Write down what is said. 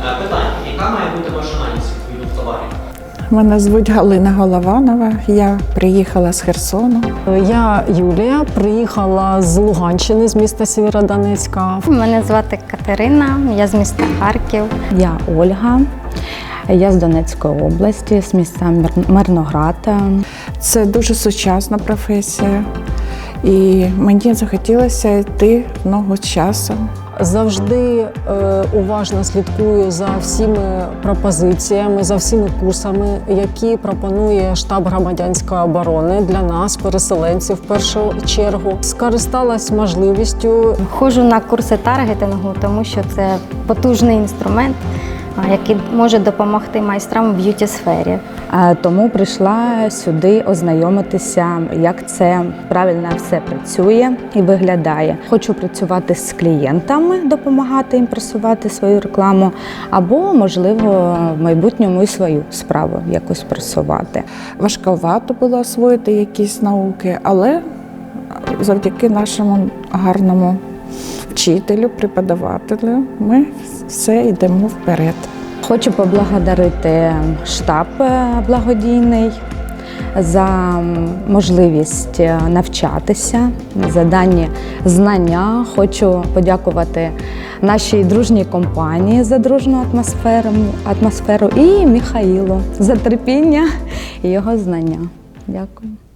Питання, яка має бути маржинальність відповідних товарів? Мене звуть Галина Голованова, я приїхала з Херсону. Я Юлія, приїхала з Луганщини, з міста Сєвєродонецька. Мене звати Катерина, я з міста Харків. Я Ольга, я з Донецької області, з міста Мирноград. Це дуже сучасна професія, і мені захотілося йти в ногу з часом. Завжди уважно слідкую за всіми пропозиціями, за всіми курсами, які пропонує штаб громадянської оборони для нас, переселенців, в першу чергу. Скористалась можливістю. Ходжу на курси таргетингу, тому що це потужний інструмент, який може допомогти майстрам в б'юті-сфері. Тому прийшла сюди ознайомитися, як це правильно все працює і виглядає. Хочу працювати з клієнтами, допомагати їм просувати свою рекламу, або, можливо, в майбутньому і свою справу якось просувати. Важковато було освоїти якісь науки, але завдяки нашому гарному вчителю, преподавателю, ми все йдемо вперед. Хочу поблагодарити штаб благодійний за можливість навчатися, за дані знання. Хочу подякувати нашій дружній компанії за дружну атмосферу і Михаїлу за терпіння і його знання. Дякую.